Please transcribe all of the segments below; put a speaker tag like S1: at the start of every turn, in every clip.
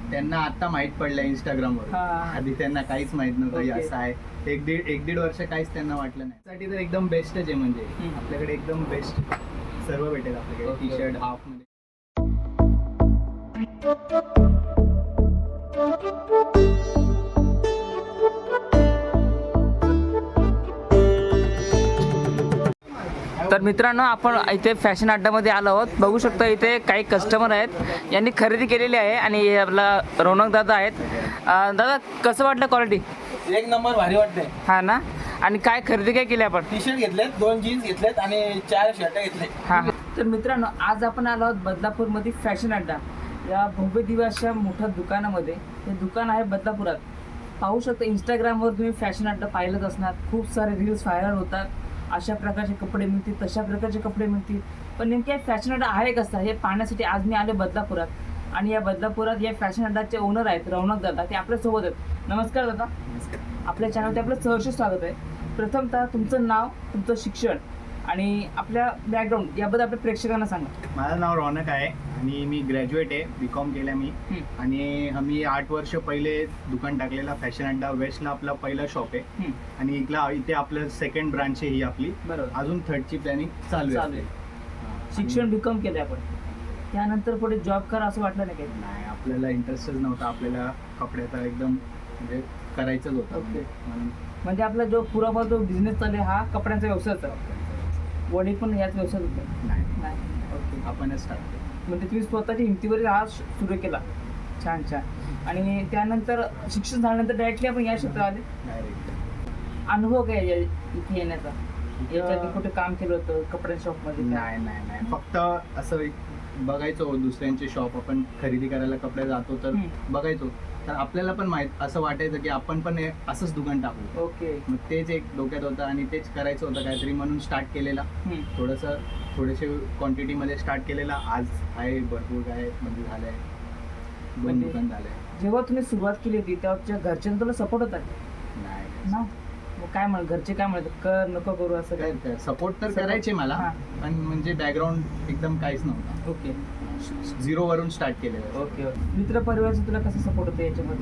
S1: त्यांना आता माहित पडलं इंस्टाग्रामवर. आधी त्यांना काहीच माहित नव्हतं हे असं आहे. एक दीड वर्ष काहीच त्यांना वाटलं नाही. साठी तर एकदम बेस्टच आहे. म्हणजे आपल्याकडे एकदम बेस्ट सर्व भेटेल आपल्याकडे. टी शर्ट हाफ मध्ये.
S2: तर मित्रांनो, आपण इथे फॅशन अड्डामध्ये आलो आहोत. बघू शकता इथे काही कस्टमर आहेत, यांनी खरेदी केलेली आहे. आणि हे आपला रौनक दादा आहेत. दादा, कसं वाटलं क्वालिटी?
S3: एक नंबर भारी वाटते.
S2: हा ना. आणि काय खरेदी काय केली आपण?
S3: टी शर्ट घेतलेत, 2 जीन्स घेतलेत आणि 4 शर्ट घेतले.
S2: हां. तर मित्रांनो, आज आपण आलो आहोत बदलापूरमध्ये फॅशन अड्डा या भव्य दिव्य अशा मोठ्या दुकानामध्ये. हे दुकान आहे बदलापुरात. पाहू शकता, इंस्टाग्रामवर तुम्ही फॅशन अड्डा पाहिलंच असणार. खूप सारे रील्स व्हायरल होतात. अशा प्रकारचे कपडे मिळतील, तशा प्रकारचे कपडे मिळतील. पण नेमके फॅशन अड्डा आहे कसा हे पाहण्यासाठी आज मी आले बदलापुरात. आणि या बदलापुरात या फॅशन अड्डाचे ओनर आहेत रौनक दादा. ते आपल्यासोबत आहेत. नमस्कार दादा. आपल्या चॅनलवरती आपलं सहर्ष स्वागत आहे. प्रथमतः तुमचं नाव, तुमचं शिक्षण आणि आपल्या बॅकग्राऊंड याबद्दल आपल्या प्रेक्षकांना सांगा.
S1: माझं नाव रौनक आहे आणि मी ग्रॅज्युएट आहे. BCom केलं मी. आणि आम्ही 8 वर्ष पहिले दुकान टाकलेला फॅशन अड्डा. वेस्टला आपला पहिला शॉप आहे आणि इथे आपलं सेकंड ब्रांच आहे ही आपली.
S2: बरोबर.
S1: अजून 3rd प्लॅनिंग चालू आहे.
S2: शिक्षण BCom केलं आपण. त्यानंतर पुढे जॉब करा असं वाटलं नाही काही?
S1: नाही, आपल्याला इंटरेस्टच नव्हता. आपल्याला कपड्याचा एकदम म्हणजे करायचंच होतं.
S2: म्हणजे आपला जो पुरावा जो बिझनेस चालू आहे हा कपड्यांचा व्यवसायचा. वडील पण याच व्यवसायात होते?
S1: नाही,
S2: ओके.
S1: आपणच टाकतो.
S2: म्हणजे तुम्ही स्वतःच्या हिमतीवर हा सुरू केला. छान छान. आणि त्यानंतर शिक्षण झाल्यानंतर डायरेक्टली आपण या क्षेत्रात आले.
S1: डायरेक्ट
S2: अनुभव काय इथे येण्याचा? याच्या आधी कुठे काम केलं होतं कपड्या शॉपमध्ये?
S1: नाही, फक्त असं बघायचो दुसऱ्यांचे शॉप. आपण खरेदी करायला कपडे जातो तर बघायचो. तर आपल्याला पण असं वाटायचं की आपण पण असंच दुकान टाकू.
S2: ओके.
S1: मग तेच एक डोक्यात होतं आणि तेच करायचं होतं काहीतरी, म्हणून स्टार्ट केलेला. थोडेसे क्वांटिटीमध्ये स्टार्ट केलेला. आज आहे भरपूर काय म्हणजे झालंय. 2 दुकान झालंय.
S2: जेव्हा तुम्ही सुरुवात केली होती तेव्हा तुझ्या घरच्यांना तुला सपोर्ट होता?
S1: नाही,
S2: मग काय घरचे काय म्हणतात, कर नको करू असं काय?
S1: सपोर्ट तर करायचे मला, पण म्हणजे बॅकग्राऊंड एकदम काहीच नव्हता.
S2: ओके.
S1: 0 वरून स्टार्ट केलेलं.
S2: ओके. मित्र परिवारचा तुला कसं सपोर्ट होतं याच्यामध्ये?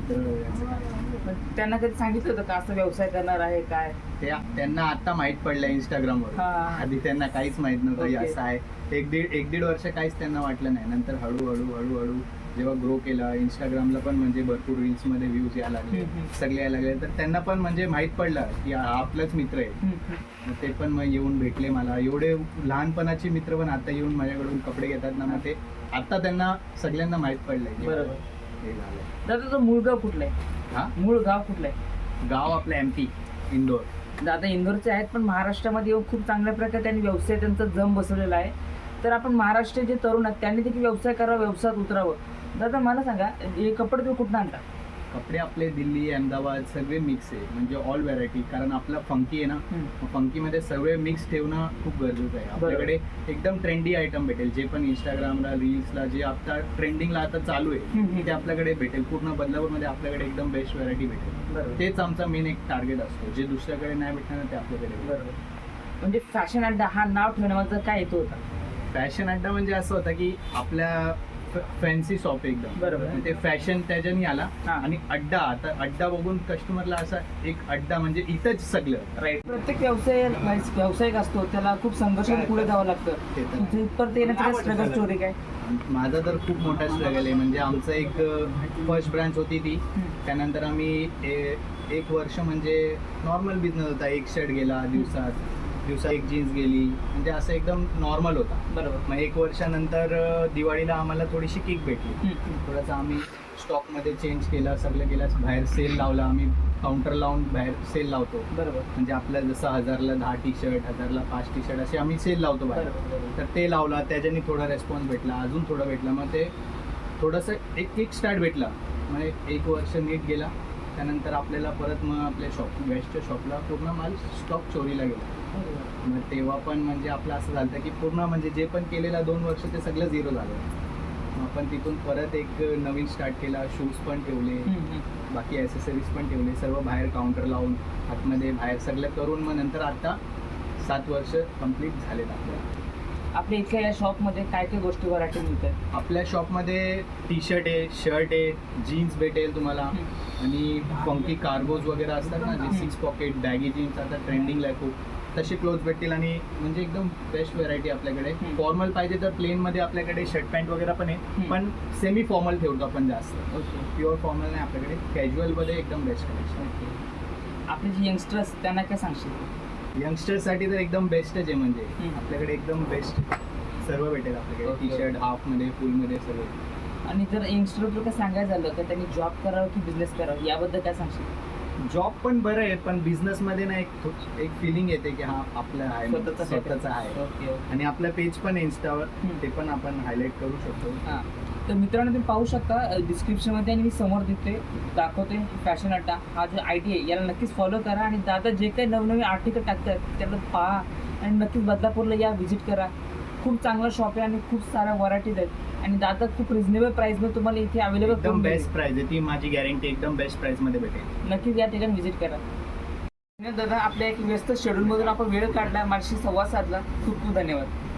S1: मित्र
S2: त्यांना कधी सांगितलं होतं का असं व्यवसाय करणार आहे काय?
S1: त्यांना आता माहित पडलं इंस्टाग्रामवर. आधी त्यांना काहीच माहित नव्हतं हे असं आहे. एक दीड वर्ष काहीच त्यांना वाटलं नाही. नंतर हळूहळू जेव्हा ग्रो केला, इंस्टाग्रामला पण म्हणजे भरपूर रील्स मध्ये व्ह्यूज यायला लागले, सगळे यायला लागले. तर त्यांना पण म्हणजे माहित पडलं की हा आपलाच मित्र आहे. मग ते पण मग येऊन भेटले मला. एवढे लहानपणाचे मित्र पण आता येऊन माझ्याकडून कपडे घेतात ना. मग ते आता त्यांना सगळ्यांना माहित पडलंय.
S2: बरोबर.
S1: हे झालं.
S2: दादा, तुझं मूळ गाव कुठलं आहे? मूळ गाव कुठलं आहे?
S1: गाव आपलं MP इंदोर.
S2: दादा इंदोरचे आहेत, पण महाराष्ट्रामध्ये येऊन खूप चांगल्या प्रकारे त्यांनी व्यवसाय त्यांचा जम बसवलेला आहे. तर आपण महाराष्ट्र जे तरुण आहेत त्यांनी देखील व्यवसाय करावा, व्यवसायात उतरावं. दादा मला सांगा, हे कपडे तुम्ही कुठून आणता?
S1: कपडे आपले दिल्ली, अहमदाबाद सगळे मिक्स आहे. म्हणजे ऑल व्हरायटी. कारण आपला फंकी आहे ना, फंकीमध्ये सगळे मिक्स ठेवणं खूप गरजेचं आहे. आपल्याकडे एकदम ट्रेंडी आयटम भेटेल. जे पण इंस्टाग्रामला, रील्सला जे आता ट्रेंडिंगला आता चालू आहे ते आपल्याकडे भेटेल. पूर्ण बदलापूरमध्ये आपल्याकडे एकदम बेस्ट व्हरायटी भेटेल. तेच आमचा मेन एक टार्गेट असतो. जे दुसऱ्याकडे नाही भेटणार ते आपल्याकडे.
S2: बरोबर. म्हणजे फॅशन अड्डा हा नाव ठेवण्यामागचा काय हेतू होता?
S1: फॅशन अड्डा म्हणजे असं होतं की आपल्या फॅन्सी शॉप एकदम. बरोबर. ते फॅशन त्याच्यानी आला आणि अड्डा. आता अड्डा बघून कस्टमरला असा एक अड्डा म्हणजे इथंच सगळं. राईट.
S2: प्रत्येक व्यावसायिक असतो, त्याला खूप संघर्ष पुढे जावं लागतं. इथपर्यंत येण्याची स्ट्रगल स्टोरी काय?
S1: माझा तर खूप मोठा स्ट्रगल आहे. म्हणजे आमचं एक फर्स्ट ब्रांच होती ती. त्यानंतर आम्ही 1 वर्ष म्हणजे नॉर्मल बिझनेस होता. 1 शर्ट गेला दिवसात 1 जीन्स गेली. म्हणजे असं एकदम नॉर्मल होता. बरोबर. मग 1 वर्षानंतर दिवाळीला आम्हाला थोडीशी किक भेटली. थोडंसं आम्ही स्टॉकमध्ये चेंज केला, सगळं केलं. बाहेर सेल लावला. आम्ही काउंटर लावून बाहेर सेल लावतो. बरोबर. म्हणजे आपल्या जसं 1000ला 10 टी शर्ट, 1000ला 5 टी शर्ट असे आम्ही सेल लावतो बाहेर. तर ते लावला. त्याच्याने थोडा रेस्पॉन्स भेटला. अजून थोडा भेटला. मग ते थोडंसं एक किक स्टार्ट भेटला. मग 1 वर्ष नीट गेला. त्यानंतर आपल्याला परत मग आपल्या वेस्टच्या शॉपला पूर्ण माल स्टॉक चोरीला गेला. मग तेव्हा पण म्हणजे आपलं असं झालं की पूर्ण म्हणजे जे पण केलेलं 2 वर्ष ते सगळं 0 झालं. मग आपण तिथून परत एक नवीन स्टार्ट केला. शूज पण ठेवले, बाकी ॲसेसरीज पण ठेवले. सर्व बाहेर काउंटर लावून आतमध्ये बाहेर सगळं करून मग नंतर आता 7 वर्ष कंप्लीट झालेत आपल्याला.
S2: आपल्या इथल्या या शॉपमध्ये काय काय गोष्टी व्हरायटी मिळतात?
S1: आपल्या शॉपमध्ये टी शर्ट आहे, शर्ट आहे, जीन्स भेटेल तुम्हाला आणि फंकी कार्गोज वगैरे असतात ना, जे 6 पॉकेट बॅगी जीन्स आता ट्रेंडिंगला आहे खूप, तसे क्लोथ भेटतील. आणि म्हणजे एकदम बेस्ट व्हरायटी आपल्याकडे. फॉर्मल पाहिजे तर प्लेनमध्ये आपल्याकडे शर्ट पॅन्ट वगैरे पण आहे, पण सेमी फॉर्मल ठेवतो आपण जास्त.
S2: ओके.
S1: प्युअर फॉर्मल नाही आपल्याकडे, कॅज्युअलमध्ये एकदम बेस्ट कलेक्शन.
S2: आपले जे यंगस्टर्स त्यांना काय सांगशील?
S1: यंगस्टर्ससाठी तर एकदम बेस्टच आहे. म्हणजे आपल्याकडे एकदम बेस्ट सर्व भेटेल आपल्याकडे.
S2: Okay.
S1: टी शर्ट हाफमध्ये, फुलमध्ये सर्व.
S2: आणि जर यंगस्टर काय सांगायचं झालं तर त्यांनी जॉब करावं की बिझनेस करावं याबद्दल काय सांगशील?
S1: जॉब पण बरं आहे, पण बिझनेसमध्ये ना एक फिलिंग येते की हा आपलं आहे, स्वतःचं आहे.
S2: ओके.
S1: आणि आपलं पेज पण आहे इंस्टावर, ते पण आपण हायलाईट करू शकतो.
S2: हां, तर मित्रांनो तुम्ही पाहू शकता डिस्क्रिप्शनमध्ये आणि मी समोर दाखवते फॅशन अड्डा हा जो आय डी आहे याला नक्कीच फॉलो करा. आणि दादा जे काही नवनवीन आर्टिकल टाकतात त्याला पहा आणि नक्कीच बदलापूरला या व्हिजिट करा. खूप चांगला शॉप आहे आणि खूप साऱ्या व्हरायटीज आहेत आणि दादा खूप रिजनेबल प्राईसमध्ये तुम्हाला इथे अवेलेबल
S1: एकदम
S2: करून
S1: बेस्ट प्राइस आहे, ती माझी गॅरंटी. एकदम बेस्ट प्राइसमध्ये भेटेल.
S2: नक्कीच या ठिकाणी व्हिजिट करा. दादा आपल्या एक व्यस्त शेड्यूलमधून आपण वेळ काढला, माझ्याशी संवाद साधला. खूप खूप धन्यवाद.